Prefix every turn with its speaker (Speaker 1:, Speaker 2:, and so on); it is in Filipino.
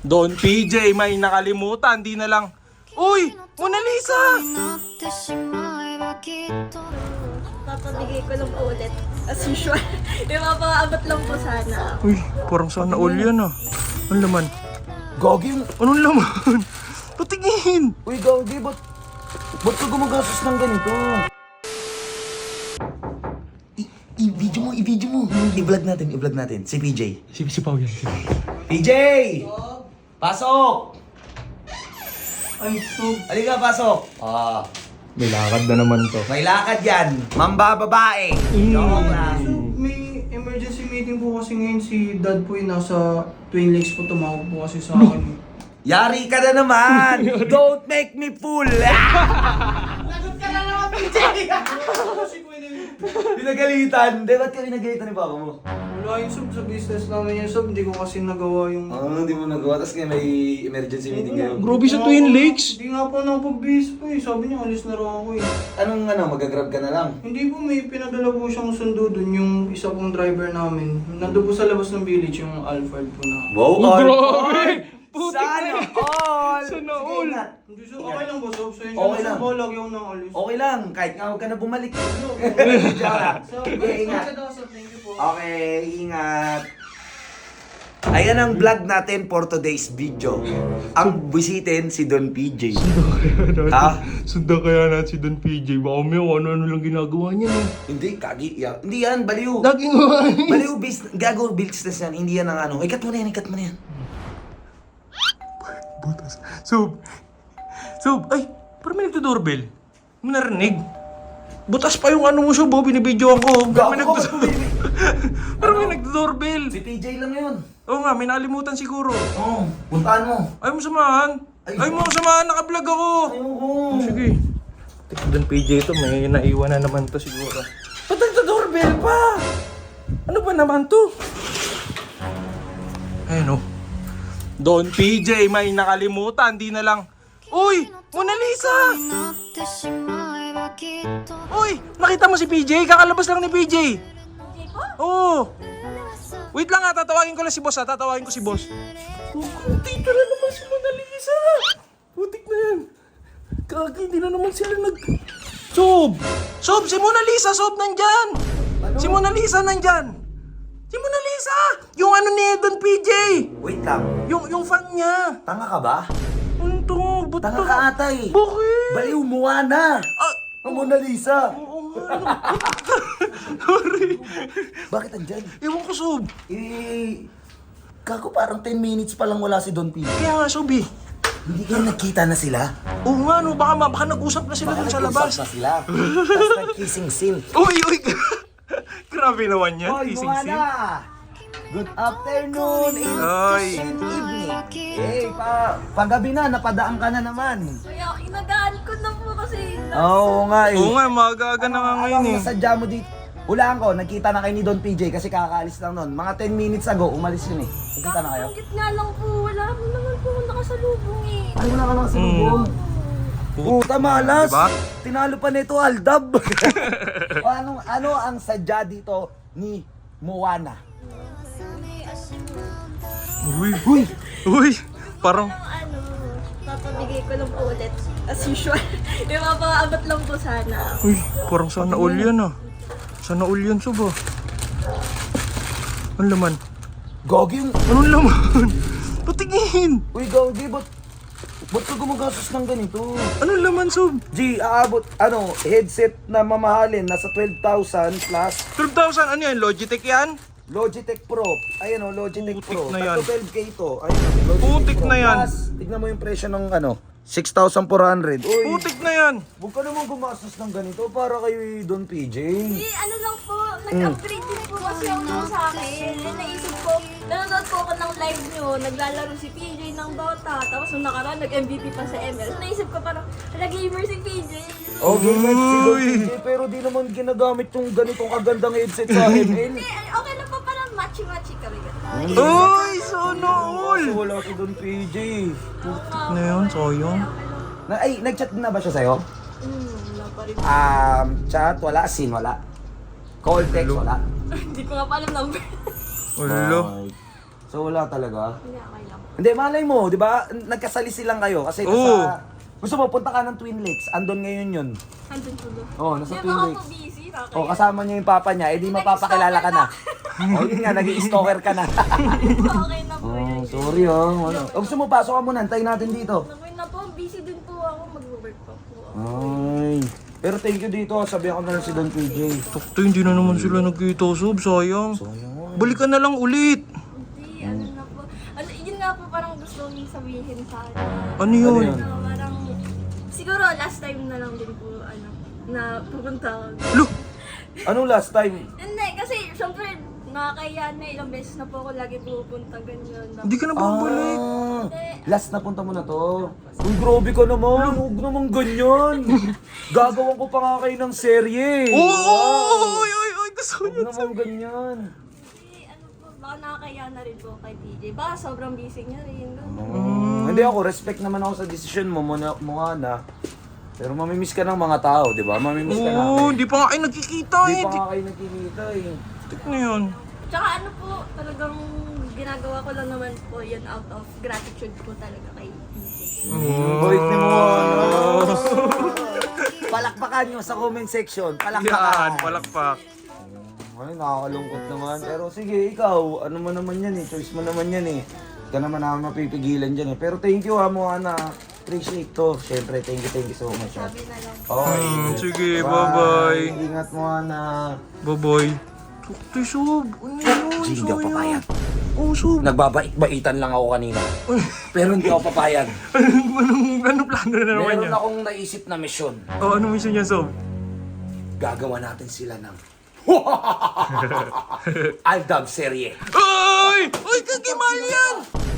Speaker 1: Don PJ, may nakalimutan, di na lang. Uy! Mona Lisa!
Speaker 2: Papabigay ko lang po ulit. As usual. Ipapaabot lang po sana.
Speaker 1: Uy, parang sana all yan ah. Anong laman?
Speaker 3: Gagi,
Speaker 1: Anong laman? Patingin!
Speaker 3: uy Gagi, ba't ka gumagastos ng ganito? I-video mo. I-vlog natin. Si PJ.
Speaker 1: Si Pao yan.
Speaker 3: PJ! Pasok!
Speaker 4: Ay, so,
Speaker 3: Halika, pasok!
Speaker 1: May lakad na naman to.
Speaker 3: May lakad yan. Mambababae. Joke lang.
Speaker 4: may emergency meeting po kasi ngayon si Dad po yung nasa Twin Lakes po, tumawag po kasi sa akin.
Speaker 3: Yari ka na naman! Don't make me fool!
Speaker 4: Kasi ko yun,
Speaker 3: Pinagalitan. Di, ba't ka pinagalitan ni Papa mo?
Speaker 4: wala yung sub sa business namin yung sub, hindi ko kasi nagawa yung...
Speaker 3: Hindi mo nagawa. Tapos ngayon may emergency meeting ngayon.
Speaker 1: Grabe sa Twin Lakes.
Speaker 4: Hindi nga po nakapag-base po eh, sabi niya alis na raw ako eh.
Speaker 3: Anong magagrab ka na lang?
Speaker 4: Hindi po, may pinadala po siyang sundo dun, yung isa pong driver namin. Nandun po sa labas ng village, yung Alfred po na.
Speaker 3: Wow,
Speaker 1: Grabe! Putik na
Speaker 3: Sana
Speaker 1: yan.
Speaker 3: all!
Speaker 1: Sana
Speaker 3: Sige,
Speaker 1: all.
Speaker 3: ingat.
Speaker 4: Hindi so, okay lang ba sob? Sa'yo
Speaker 3: Okay
Speaker 4: siya
Speaker 3: lang.
Speaker 4: na lagi ako nang alis.
Speaker 3: Okay lang, kahit nga huwag ka na bumalik. Joke lang.
Speaker 4: So,
Speaker 3: Sige, ingat.
Speaker 4: thank you po.
Speaker 3: Okay, ingat. Ayan ang vlog natin for today's video. Ang bisitin si Don PJ. Ha?
Speaker 1: Sundan kaya natin si Don PJ. Baka may ano lang ginagawa niya eh.
Speaker 3: Hindi, kagi. Hindi yan, baliw.
Speaker 1: Laging humain.
Speaker 3: Baliw, gago, business yan. Hindi yan ang ano. Ikat mo na yan.
Speaker 1: Butas. Sob! Ay! Parang may nagdo-doorbell. Hindi mo narinig. Butas pa yung ano mo, Sob. Binibidyoan ko. Parang may
Speaker 3: Gago,
Speaker 1: nagdo-doorbell. Parang may nagdo-doorbell.
Speaker 3: Si PJ lang yun.
Speaker 1: Oo nga, may nakalimutan siguro.
Speaker 3: Oo, puntaan mo.
Speaker 1: Ayaw mo samahan.
Speaker 3: Ay.
Speaker 1: Ayaw mo samahan, naka-vlog ako.
Speaker 3: Ayoko.
Speaker 1: Sige. Don PJ to, may naiwan na naman to siguro.
Speaker 3: Ba't nagdo-doorbell pa?
Speaker 1: Ano ba naman to? Ayun oh. Don PJ, may nakalimutan, di na lang. Uy! Mona Lisa! Uy! Nakita mo si PJ? Kakalabas lang ni PJ.
Speaker 2: Okay po?
Speaker 1: Oo. Wait lang ha, tatawagin ko lang si boss ha. Tatawagin ko si boss. Oh, dito na naman si Mona Lisa. Putik na yan. Kaki, hindi na naman sila Sob! Si Mona Lisa, Sob, nandyan!
Speaker 3: Ano?
Speaker 1: Si Mona Lisa, nandyan! Si Mona Lisa! Yung ano ni Don PJ!
Speaker 3: Wait lang.
Speaker 1: Yung fan niya!
Speaker 3: Tanga ka ba?
Speaker 1: Ano to? Ba't
Speaker 3: Tanga
Speaker 1: to?
Speaker 3: ka ata eh.
Speaker 1: Bakit?
Speaker 3: Baliw, Moana.
Speaker 1: Ah,
Speaker 3: Ang Mona Lisa.
Speaker 1: oo nga. Sorry.
Speaker 3: Bakit andyan?
Speaker 1: Ewan ko, Sob.
Speaker 3: Kako parang 10 minutes pa lang wala si Don P.
Speaker 1: Kaya nga, Sob eh.
Speaker 3: Hindi kayo nagkita na sila?
Speaker 1: Oo nga, no. Baka nag-usap na sila dun sa labas.
Speaker 3: nag-usap na sila. Tapos nag-kissing scene.
Speaker 1: Uy! Grabe naman yan.
Speaker 3: Hoy,
Speaker 1: Kissing scene.
Speaker 3: Moana! Good afternoon,
Speaker 1: Hoy.
Speaker 3: and evening. Paggabi na, napadaan ka na naman.
Speaker 2: Kaya inagaan ko na po kasi...
Speaker 3: Oo nga
Speaker 1: Oo nga, magaga na nga ngayon eh.
Speaker 3: Nasadya mo dito. Hulaan ko, nagkita na kayo ni Don PJ kasi kakaalis lang nun. Mga 10 minutes ago, umalis yun eh. Nagkita na kayo?
Speaker 2: Bakit nga lang po, wala mo naman po nakasalubong eh.
Speaker 3: Ay, wala ka lang sa lubong. Puta malas!
Speaker 1: Diba?
Speaker 3: Tinalo pa nito, Aldab! O, ano ang sadya dito ni Moana?
Speaker 1: Uy! Parang...
Speaker 2: Ano, papabigay ko lang po ulit. As usual. Ipapaabot lang po sana.
Speaker 1: Uy, parang sana all yan ah. Sana all yan, Sob ah. Anong laman?
Speaker 3: Gagi,
Speaker 1: Anong laman? Patingin!
Speaker 3: uy Gagi, ba't ka gumagastos ng ganito?
Speaker 1: Anong laman, Sob?
Speaker 3: G, aabot, headset na mamahalin, nasa 12,000 plus.
Speaker 1: 12,000, ano yan? Logitech yan?
Speaker 3: Logitech Pro. Ayan o, Logitech
Speaker 1: Putik
Speaker 3: Pro.
Speaker 1: na yan.
Speaker 3: 12K to. Ayun o, Logitech
Speaker 1: Putik
Speaker 3: Pro.
Speaker 1: na yan.
Speaker 3: Plus, tignan mo yung presyo ng 6,400. Uy,
Speaker 1: Putik na yan!
Speaker 3: huwag ka naman gumastos ng ganito para kay Don PJ.
Speaker 2: Eh, ano lang po, nag-upgrade din po kasi ako nung sa akin. Eh, naisip ko, nanonood po ako ng live nyo, naglalaro si PJ ng Dota, tapos nung nakaraan, nag-MVP pa sa ML. So, naisip ko parang, hala gamer si PJ.
Speaker 3: Okay, si Don
Speaker 1: Uy.
Speaker 3: PJ, pero di naman ginagamit yung ganitong kagandang headset sa ML.
Speaker 2: Eh, okay lang po, parang matchy-matchy kami.
Speaker 1: Uy! Sana all!
Speaker 3: Kasi wala si Don PJ.
Speaker 1: Na yun, sayang.
Speaker 3: Nag-chat na ba siya sa'yo?
Speaker 2: Wala pa rin.
Speaker 3: Chat, wala. Scene, wala. Call, text, wala.
Speaker 2: Hindi ko nga pa alam number.
Speaker 1: Wala.
Speaker 3: So wala talaga.
Speaker 2: Hindi, okay lang.
Speaker 3: Hindi, malay mo, di ba? Nagkasalisi lang kayo kasi
Speaker 1: Oo.
Speaker 3: gusto mo, punta ka ng Twin Lakes. Andon ngayon yun.
Speaker 2: Andun po doon.
Speaker 3: Oo, nasa
Speaker 2: Hindi,
Speaker 3: Twin
Speaker 2: baka
Speaker 3: Lakes.
Speaker 2: po busy.
Speaker 3: O, kasama niya yung papa niya, edi mapapakilala ka na. O, yun nga, nag-i-stalker ka na.
Speaker 2: Okay na po
Speaker 3: Oh,
Speaker 2: yun.
Speaker 3: sorry oh. Ano? O, gusto mo, pasok ka muna, antayin natin dito.
Speaker 2: Okay na po, busy din po ako. Mag-work pa po ako.
Speaker 3: Ay. Pero thank you dito, sabihan ko na lang si Don PJ.
Speaker 1: Sakto, hindi na naman sila nagkita, Sob. Sayang.
Speaker 3: Sayang.
Speaker 1: Balikan na lang ulit.
Speaker 2: Hindi, ano na po. Ano, yun nga po parang gusto kong sabihin sa akin.
Speaker 1: Ano yun?
Speaker 3: Ano yun?
Speaker 2: Parang, siguro last time na lang din po, na pupunta ako.
Speaker 1: Lo,
Speaker 3: Anong last time?
Speaker 2: Hindi, kasi syempre, nakakaya na ilang beses na po ako lagi pupunta ganyan.
Speaker 1: hindi ka na babalik.
Speaker 3: Last na punta mo na to. Uy, grabe ka naman. Huwag naman ganyan. Gagawan ko pa nga kayo ng serye.
Speaker 1: Oo! Oy, oy, oy, gusto ko
Speaker 3: Huwag
Speaker 1: yun.
Speaker 3: naman ganyan.
Speaker 2: Kasi ano po, baka nakakaya na rin po kay PJ. Baka sobrang busy niya rin.
Speaker 3: Hindi ako, respect naman ako sa decision mo, mukha na. Pero mamimiss ka ng mga tao, di ba? Mamimiss ka
Speaker 1: Oo,
Speaker 3: namin.
Speaker 1: hindi pa nga kayo nagkikita
Speaker 3: Hindi
Speaker 1: eh.
Speaker 3: pa nga kayo nagkikita eh.
Speaker 1: Tik na yun.
Speaker 2: Tsaka ano po, talagang ginagawa ko lang naman po yun out of gratitude po talaga kay PJ.
Speaker 3: Boy, ni mo. Palakpakan nyo sa comment section. Palakpakan.
Speaker 1: Yan, palakpak.
Speaker 3: Ay, nakakalungkot naman. Pero sige, ikaw, ano mo naman yan eh. Choice mo naman yan eh. Ikaw naman namin mapipigilan dyan eh. Pero thank you ha, Moana. Appreciate to. Siyempre, thank you so much. Ha.
Speaker 2: Sabi na lang.
Speaker 3: Okay.
Speaker 1: Sige, bye-bye.
Speaker 3: Ingat mo, Ana.
Speaker 1: Bye-bye. Sakto, Sob. Ano yun?
Speaker 3: Hindi ako
Speaker 1: Sayang.
Speaker 3: papayag.
Speaker 1: Oo, Sob.
Speaker 3: Nagbabait-baitan lang ako kanina. Pero hindi ako papayag.
Speaker 1: Anong plano na naman
Speaker 3: Meron
Speaker 1: niya?
Speaker 3: akong naisip na misyon.
Speaker 1: Oh, ano mission niya, Sob?
Speaker 3: Gagawa natin sila ng Aldab serye.
Speaker 1: Ay! Ay, kagimal yan!